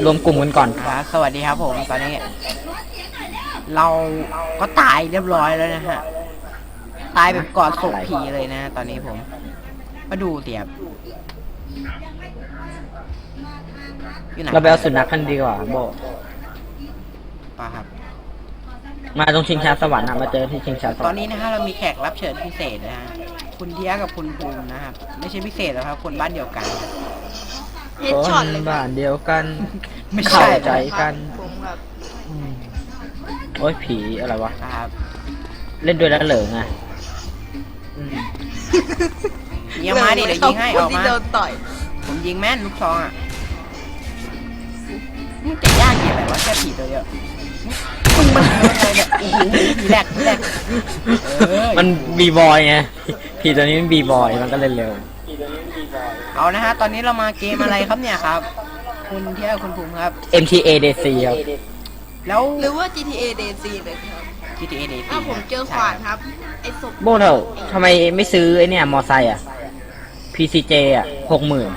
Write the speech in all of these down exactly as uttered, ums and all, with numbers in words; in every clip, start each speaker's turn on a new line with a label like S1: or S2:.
S1: รวมกลุ่มกันก่อน
S2: ครับสวัสดีครับผมตอนนี้ เราก็ตายเรียบร้อยแล้วนะฮะตายแบบกอดศพผีเลยนะตอนนี้ผมมาดูเสียบอยู่ไหน
S1: เราไปเอาสุนัขกันดีกว่าโบ
S2: ป่ะครับ
S1: มาตรงชิงช้าสวรรค์นะมาเจอที่ชิงช้าส
S2: ต
S1: ว
S2: อ
S1: ร
S2: น
S1: รค์
S2: นี้นะฮะเรามีแขกรับเชิญพิเศษนะฮะคุณเทียกับคุณภูมินะครับไม่ใช่พิเศษหรอกครับคนบ้านเดียวกัน
S3: เฮดช็อตเลย
S1: บ้านเดียวกัน
S2: ไม่ใช่
S1: เข้าใจกัน
S3: ผมครับ
S1: อืมโอ้ยผีอะไรวะ
S2: นะครับ
S1: เล่นด้วยแล้วเหลิงอ่ะ
S2: อืมยิงมาดิเดี๋ยวยิงให้ออกมา
S3: โดนต่อย
S2: ผมยิงแม่นลูกซองอ่ะมึงจะยากเกี่ยวอะไรวะแค่ผีตัวเดียวมึงมันอะไรเนี่ยโอ้โหผีแหลกผีแหลกเออ
S1: มันบีบอยไงผีตัวนี้มันบีบอยมันก็เล่นเร็ว
S2: เอานะฮะตอนนี้เรามาเกมอะไรครับเนี่ยครับ คุณเที่ยวคุณภูมิครับ
S1: เอ็ม ที เอ ดี ซี ครับ
S2: แล้ว
S3: หรือว่า จี ที เอ เดซี เลยครับ
S2: จี ที เอ ดี
S3: ถ้าผมเจอขวานครับ ไอ้ศพ
S1: โบเท่าทำไมไม่ซื้อไอเนี่ยมอไซค์อ่ะ พี ซี เจ อ่ะหกหมื่น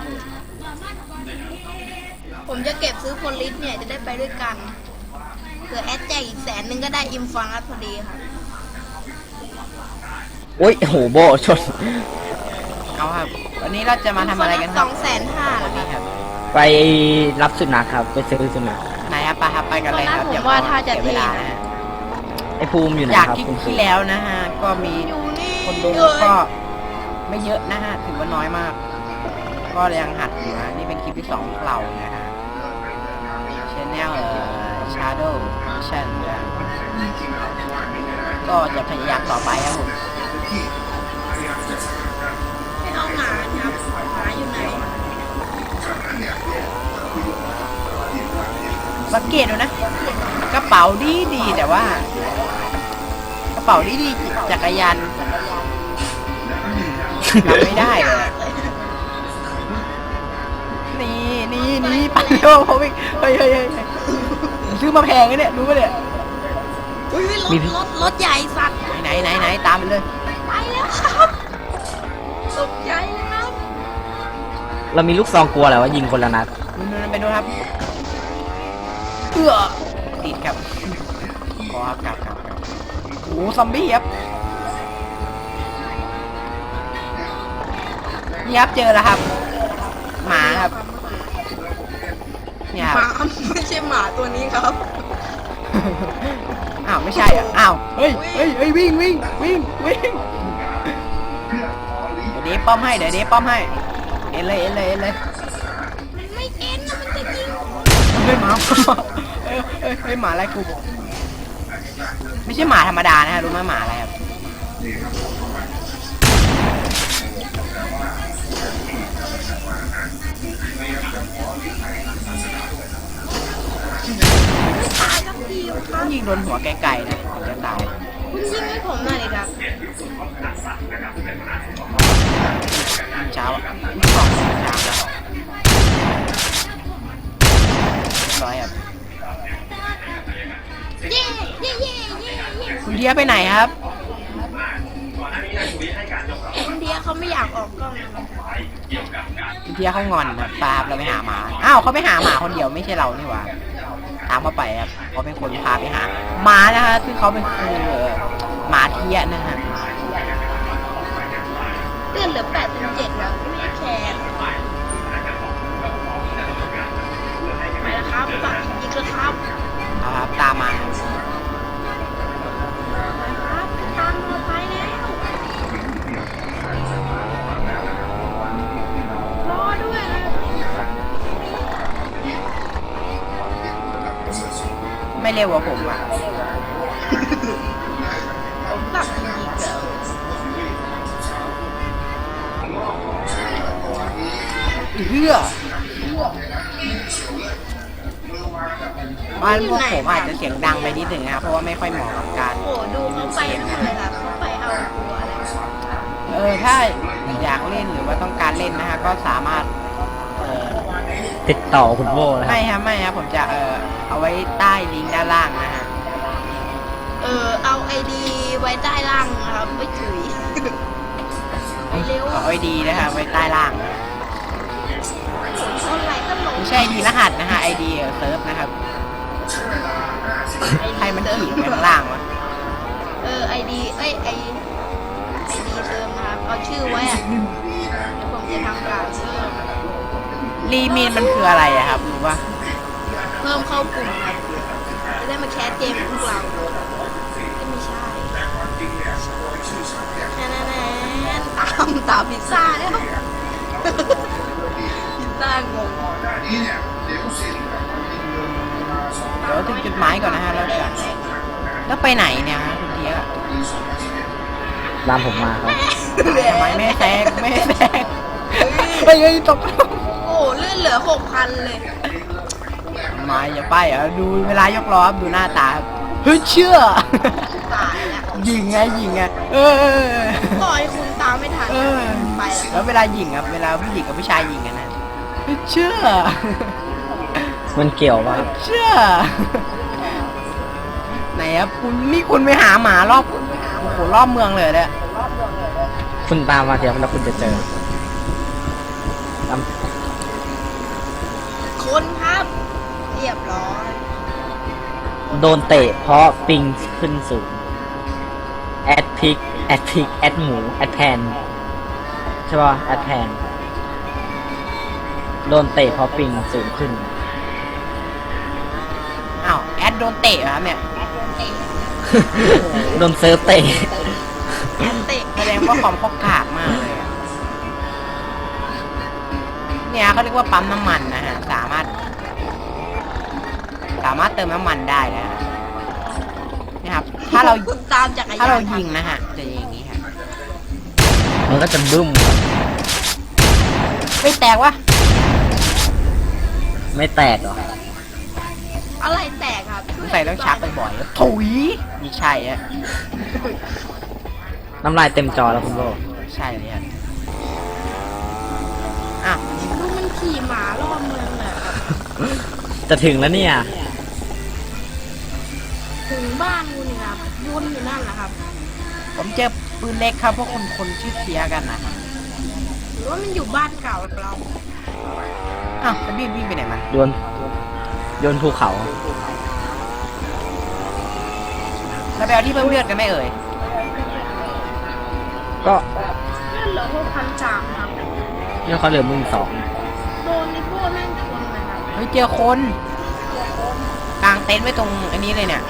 S3: ผมจะเก็บซื้อโพลิสเนี่ยจะได้ไปด้วยกันเผื่อแอดแจกอีกแสนนึงก็ได้อิมฟังอัพพอดีครับ
S1: โอ้ยโหโบชน
S2: เอาครับวันนี้เราจะมาทำอะไรกันค
S3: ส
S2: รั
S3: อบ งแสนห้าแล้ว
S2: นี่
S3: ค
S2: ครับ รับ
S1: ไปรับสุนัขครับ ไปซื้อสุนัข
S2: ไหนครับไปครับไปกันเลยครับ
S3: ผม
S2: อย่า
S3: ว่าถ้าจะ
S2: เสียเวลานะฮะ
S1: ไอภูมิอยู่ไหน
S2: จาก
S1: ครับ
S2: ที่
S1: คุณภู
S2: ที่
S1: มิ
S2: แล้วนะฮะก็มี
S3: อยู่นี่
S2: คนดู
S3: เลย
S2: ก็ไม่เยอะนะฮะถือว่าน้อยมาก ก็ยังหัดอยู่นะนี่เป็นคลิปที่สองของเรานะฮะ Channel เอ่อ Shadow Mission นะก็จะพยายามต่อไปครับผม
S3: ให้เอาหมาครับหมาอยู่ไหน
S2: สังเกตดูนะ กระเป๋าดีดีแต่ว่า กระเป๋าดีดีจักรยานทำไม่ได้เลยอะนี่นี่นี่ไปเร็วผมอีกเฮ้ยเฮ้ยเฮ้ยซื้อมาแพงเลยเนี่ยรู้ปะเนี่ย
S3: อุ้ยรถรถรถใหญ่สัตว์
S2: ไหนไหนไหนตามไปเลย
S3: ไปแล้วครับตกใจเลยครับ
S1: เรามีลูกซองกลัวแหละว่ายิงคนละนัด
S2: นู่นๆไปดูครับเอื้อติดครับขอครับกลับกลับกลับโอ้ซอมบี้ครับนี่ครับเจอแล้วครับ หมาครับเนี่ย
S3: ห
S2: ครับ
S3: มาไม่ใช่หมาตัวนี้ครับ
S2: อ้าวไม่ใช่อ่ะอ้าวเฮ้ยเฮ้ยเฮ้ยวิ่งวิ่งวิ่งวิ่งเดี๋ยวเดฟป้อมให้เดี๋ยวเดฟป้อมให้เอ็นเลยเอ็นเลยเอ็นเลย
S3: มันไม่เอ็นนะมันจะยิง
S2: เฮ้ยหมาเฮ้ยเฮ้ยเฮ้ยหมาอะไรกูไม่ใช่หมาธรรมดานะฮะรู้ไหมหมาอะไรครับ
S3: ตายครับพี่ค
S2: ต้
S3: รั
S2: อบ งยิงโดนหัวไกลๆนะถึงจะตาย
S3: คุณยิงให้ผมหน่อยเลยครับ
S2: เช้าอ่ะสองเช้าแล้วร้อยครับ
S3: เย่เย่เย่เย่เย่
S2: คุณเทียไปไหนครับ
S3: คุณเดียเขาไม่อยากออกกล้องนะครับ
S2: คุณเทียเขางอนครับปาบเราไปหาหมาอ้าวเขาไปหาหมาคนเดียวไม่ใช่เรานี่หว่าตามเขาไปครับเขาเป็นคนพาไปหาหมานะฮะซึ่งเขาเป็นคือหมาเทียนะฮะ
S3: เลื่อนเหลือแปดสิบเจ็ดแล้วไม่แคร์ไปแล้วครับฝากยิงๆนะครับ
S2: เอาครับตามมา
S3: ครับตามเราไปแล้วรอด้วยนะ
S2: ไม่เร็วกว่าผมอ่ะ
S3: ผมฝากยิงๆแล้ว
S2: เพื่อบ้านพวกผมอาจจะเสียงดังไปนิดหนึ่งนะครับเพราะว่าไม่ค่อยเหมาะกับการ
S3: โอ้ดูเขาไปนู่นเลยครับเขาไปเอาตัวอะไร
S2: เออถ้าอยากเล่นหรือว่าต้องการเล่นนะฮะก็สามารถเออ
S1: ติดต่อคุณโบนะครั
S2: ไม่
S1: บ
S2: ครับไม่ครับผมจะเออเอาไว้ใต้ลิงก์ด้านล่างนะฮะ
S3: เออเอาไอดีไว้ใต้ล่างนะครับไม่ถุยไปเร็ว
S2: เอาไว้ดีนะครับไว้ใต้ล่าง
S3: เท่าไหร่ตลก
S2: ไม่ใช่ไอดีรหัสนะฮะไอดีเซิร์ฟนะครับใครมันขี่ไปข้างล่างวะ
S3: เออไอดีเอ้ยไอไอดีเติมนะครับเอาชื่อไว้อะเดี๋ยวผมจะทำการเพิ่ม
S2: รีมีนมันคืออะไรอะครับรู้ปะ
S3: เพิ่มเข้ากลุ่มครับจะได้มาแคสเกมกับพวกเราก็ไม่ใช่แน่แน่ๆตามตามพิซซ่าแล้วพิซซ่างง
S2: เดี๋ยวถึงจุดหมายก่อนนะฮะแล้วจะแล้วไปไหนเนี่ยฮะคุณเทียบ
S1: ตามผมมาครับ
S2: ทำไมไม่แซงไม่แซงเฮ้ยเฮ้ยตก
S3: โอ้เลื่อนเหลือหกพันเลย
S2: มาอย่าไปอ่ะดูเวลายกล้อดูหน้าตาเฮ้ยเชื่อ
S3: ตายแล้ว
S2: ยิงไงยิงไงเออ
S3: ปล่อยคุณตามไม่ทัน
S2: เออ
S3: ไป
S2: แล้วเวลายิงครับเวลาผู้หญิงกับผู้ชายยิงกันนะเฮ้ยเชื่อ
S1: มันเกี่ยวว่า
S2: เชื่อไหนครับคุณนี่คุณไปหาหมารอบโอ้โหรอบเมืองเลยเนี่ย
S1: คุณตามมาเดี๋ยวแล้วคุณจะเจอตาม
S3: คนครับ เรียบร้อย
S1: โดนเตะเพราะปิงขึ้นสูงแอดพิกแอดพิกแอดหมูแอดแพนใช่ป่ะแอดแพนโดนเตะเพราะปิงสูงขึ้น
S2: อ้าวแอดโดนเตะเหรอครับเนี่ย
S1: โดนเซิร์ฟเตะ
S3: แอนเตะ
S2: แสดงว่าความเขากากมากเลยอะเนี่ยเขาเรียกว่าปั๊มน้ำมันนะฮะสามารถ สามารถเติมน้ำมันได้นะฮะนะครับถ้าเรา
S3: คุณตามจักรยาน
S2: ถ้าเรายิงนะฮะจะอย่างนี้ฮะ
S1: มันก็จะบึ้ม
S2: ไม่แตกวะ
S1: ไม่แตกหรอ
S3: อะไรแตกครับ
S2: สงสัยต้องชักบ่อยๆถุยนี่ใช่ฮะ
S1: น้ำลายเต็มจอแล้วคุณโบ
S2: ใช่เลยฮะอ่ะ
S3: ดูมันขี่หมารอบเมืองเลย
S1: จะถึงแล้วเนี่ย
S3: ถึงบ้านคุณครับวนอยู่นั่นแหละครับ
S2: ผมเจอปืนเล็กครับพวกคนคนชื่อเทียกันนะครับ
S3: หรือว่ามันอยู่บ้านเก่าเรา
S2: อ้าวแล้ววิ่งวิ่งไปไหนมัน
S1: โยนโยนภูเขา
S2: แล้วไปเอาที่เพิ่มเลือดกันไหมเอ่ย
S1: ก็
S3: เลื่อนเหลือหกพันสามครับ
S1: เนี่ยเขาเหลือมึงสอง
S3: โดนในพวกแม่งชนเลยครับ
S2: เฮ้ยเจอคนกางเต็นท์ไว้ตรงอันนี้เลยเนี่ย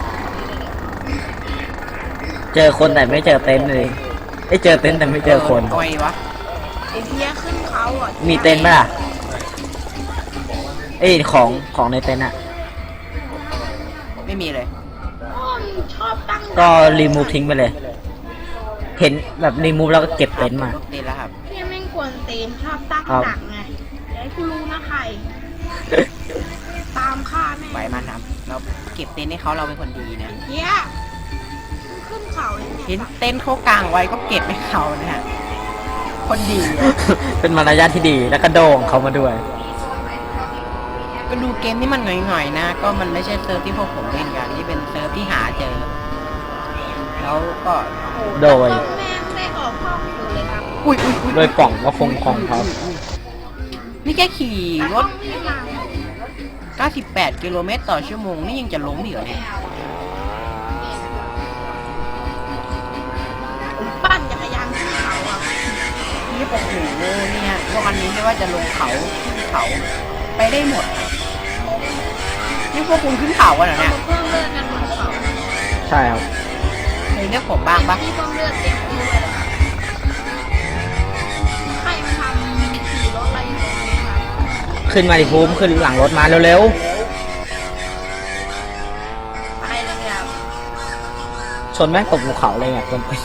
S1: เจอคนแต่ไม่เจอเต็นท์เลยไอ้ยเจอเต็นท์แต่ไม่เจอคน
S2: โอ้ยวะ
S3: ไอเพียขึ้นเขาอ่ะ
S1: มีเต็นท์ป่ะล่ะเอ้ยของของในเต็นท์อะ
S2: ไม่มีเลย
S3: อ้อมชอบตั้ง
S1: ก็รีมูฟทิ้งไปเลย เห็นแบบรีมูฟแล้วก็เก็บเต็นท์มา
S2: ลูกเต็นท์แล้วครับ
S3: เพียแม่งกวนตีนชอบตั้ง
S1: ครับ
S3: หนักไงเดี๋ยวให้กูรู้นะใคร ตามฆ่าแม่ง
S2: ไหวมันครับ เราเก็บเต็นท์ให้เขาเราเป็นคนดีนะ
S3: เพียมันขึ้นเขาเลย
S2: เห็
S3: เนี่ย
S2: นเต็นท์เขากางไว้ก็เก็บให้เขานะฮะ คนดีอะ
S1: เป็นมารยาทที่ดีแล้วก็โด่งเขามาด้วย
S2: ก็ดูเกมที่มันหน่อยๆนะ ก็มันไม่ใช่เซิร์ฟที่พวกผมเล่นกันที่เป็นเซิร์ฟที่หาเจอ แล้วก็
S1: โดย
S3: ก็แม่งได้ออกห้องอยู่เลยครับ
S2: อุ้ยอุ้ยอุ้ย
S1: โดยป่องก็ฟงของเขา
S2: นี่แค่ขี่
S3: แต่
S2: ร
S3: ห้อ
S2: ถ
S3: งไม่มา
S2: เก้าสิบแปดกิโลเมตรต่อชั่วโมงนี่ยังจะล้มอีกเหรอเนี่ย
S3: ผมปั่นจักรยานขึ้นเขาอ่ะ
S2: นี่โอ้โหเนี่ยวันนี้ไม่ว่าจะลงเขาขึ้นเขาไปได้หมด นี่พวกคุณขึ้นเขากันเหรอ
S3: เรา
S2: เนี่ย
S3: มาเพิ่มเลือดกันบนเขา
S1: ใช่ครับ
S2: เคยเรียกผมบ้างปะ
S3: ที่เพิ่มเลือดเต็มที่เลยครับใครมาทำขี่รถอะไรอยู่ตรงนี้ครับ
S1: ขึ้นมาดิภูมิขึ้นหลังรถมาเร็ว
S3: ไปเลยครับ
S1: ๆ ชนแม่งตกภูเขาเลยเนี่ยคนไป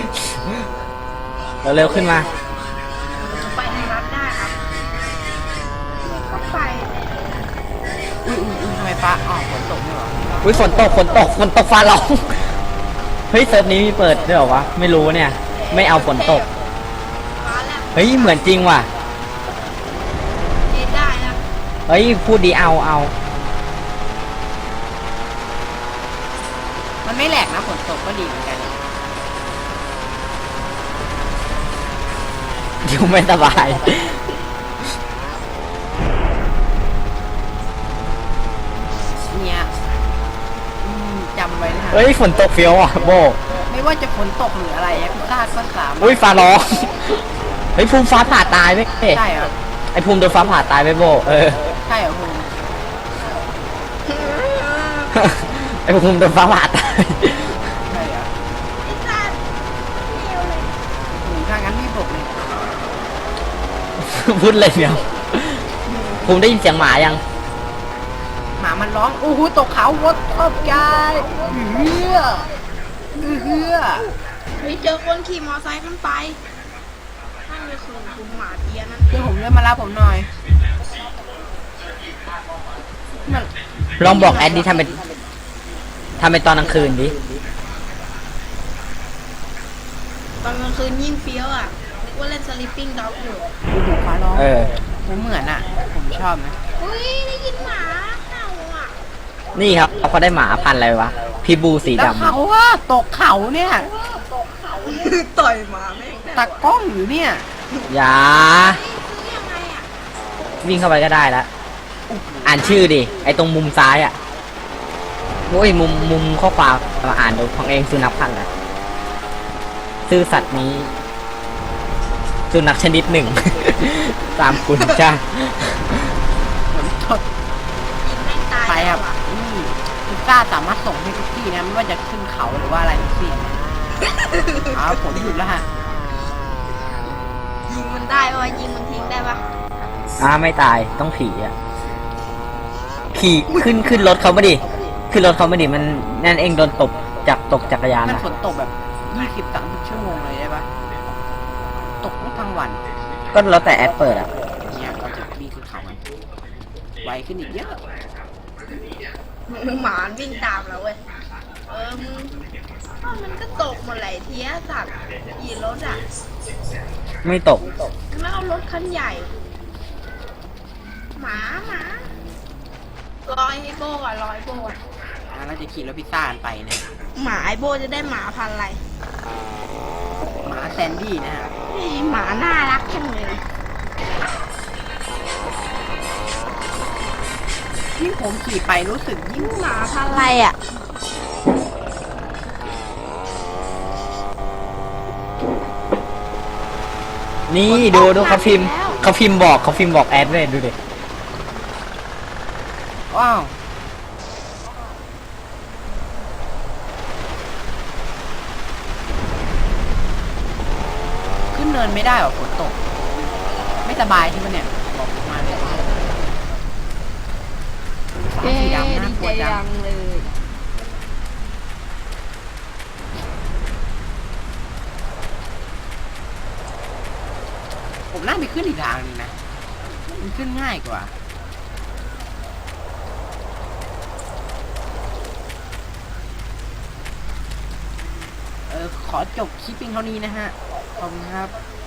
S1: เร็วๆขึ้นมา
S3: จะไปในรัฐได้ครับก็ไป
S2: อุ้ยอุ้ยอุ้ยทำไมฟ้าอ๋อฝนตกนี่หรอ
S1: อุ้ยฝนตกฝนตกฝนตกฟ้าร้อง เฮ้ยเซิร์ฟนี้มีเปิดด้วยเหรอวะ ไม่รู้เนี่ย ไม่เอาฝนตก
S3: มาแล้ว
S1: เฮ้ยเหมือนจริงว่ะ
S3: เอ็ดได้นะ
S1: เฮ้ยพูดดีเอาเอา
S2: มันไม่แหลกนะฝนตกก็ดีเหมือนกัน
S1: อยู่ไม่สบาย
S2: ำไว้นะฮะ
S1: เฮ้ยฝนตกเฟี้ยวอ่ะโบ
S2: ไม่ว่าจะฝนตกหรืออะไรอะพิซซ่าก็สามารถ
S1: อุ้ยฟ้าร้องเฮ้ยภูมิฟ้าผ่าตายไหม
S2: ใช่เหรอ
S1: ไอภูมิโดนฟ้าผ่าตายไหมโบเออ
S2: ใช่เหรอคุณ
S1: ไอภูมิโดนฟ้าผ่าตาย
S2: ใช่เหรอ
S3: ไอ้สัตว์เร็วเลย
S2: หรือถ้างั้นไม่บอกเลย
S1: พูดเลยเนี่ยภูมิได้ยินเสียงหมายัง
S2: หมามันร้องโอ้โหตกเขาวัดขอบใจเฮือเฮือ
S3: เฮ้ยเจอคนขี่มอไซค์ขึ้นไปนั่นก็คือคุณหมาเทียนั่น
S2: คือผมเริ่มมารับผมหน่อยมัน
S1: ลองบอกแอดดิทำเป็นทำเป็นตอนกลางคืนดิ
S3: ตอนกลางคืนยิ่งเฟี้ยวอ่ะนึกว่าเล่นสลิปปิ้งด็อกอยู่
S2: โอ้โหฟ้าร้อง
S1: เออ
S2: ผมเหมือนอ่ะ ผมชอบนะ
S3: อุ้ยได้ยินหมาเห่าอ่ะ
S1: นี่ครับเขาได้หมาพันธุ์อะไรวะพิบูสี
S2: แล้ว
S1: ดำ
S2: เขาว่าตกเขาเนี่ย
S3: ต่อยหมาแม่ง
S2: ตากล้องอยู่เนี่ย
S1: อย่า
S3: ซื้อยังไงอ่ะ
S1: วิ่งเข้าไปก็ได้แล้วอ่านชื่อดิไอตรงมุมซ้ายอ่ะโอ้ยมุมมุมข้อความมาอ่านดูของเองสุนัขพันธุ์อะไรซื่อสัตว์นี้สุนัขชนิดหนึ่ง ตามคุณจ้า
S2: ฝนตก
S3: ยิงแม่งตาย
S2: ไปค
S3: แล้
S2: รั
S3: ว
S2: บ
S3: อ่ะ
S2: นี่พิซซ่าสามารถส่งให้ทุกที่นะไม่ว่าจะขึ้นเขาหรือว่าอะไรทั้งสิ้นนะอ้าวผมหยุดแล้วฮะ
S3: ยิงมันได้ปะวะยิงมันทิ้งได้ปะ
S1: อ่าไม่ตายต้องผีอ่ะขี่ขึ้นขึ้นรถเขาไม่ดิขึ้นรถเขาไม่ดิมันนั่นเองโดนตบจากตกจักรยาน
S2: มัน
S1: นะ
S2: ฝนตกแบบยี่สิบสามสิบชั่วโมงเลยได้ปะตกทั้งวัน
S1: ก็แล้วแต่แอดเปิดอ่ะ
S2: เนี่ยเราจะวิ่งขึ้นเขามันไวขึ้นอีกเยอะ
S3: หมาวิ่งตามเราเว้ยเออมึงอ้าวมันก็ตกหมดไหลายเทียสัตว์ขี่รถอ่ะ
S1: ไม่ตก
S3: แล้วเอารถคันใหญ่ หมาหมาลอยให้โบก่อนลอยโบก่อน
S2: อ่ะเราจะขี่รถพิซซ่ากันไปเนี่ย
S3: หมาไอโบจะได้หมาพันธุ์อะไร
S2: หมาแซนดี้นะฮะ
S3: นี่หมาน่ารักจังเลย
S2: ยิ่งผมขี่ไปรู้สึกยิ่ง
S3: หมาพันธุ์อะไรอ่ะ
S1: นี่ดูดูเขาพิมพ์เขาพิมพ์บอกเขาพิมพ์บอกแอดเลยดูดิ
S2: ว้าวขึ้นเนินไม่ได้หรอฝนตก ไม่สบายใช่ไหมเนี่ยบอกผมมาเลยสามสีดำน่ากลัวจัง
S3: เลย
S2: ผมน่าไปขึ้นอีกทางนึงนะ มันขึ้นง่ายกว่า เออ ขอจบคลิปเพียงเท่านี้นะฮะ ขอบคุณครับ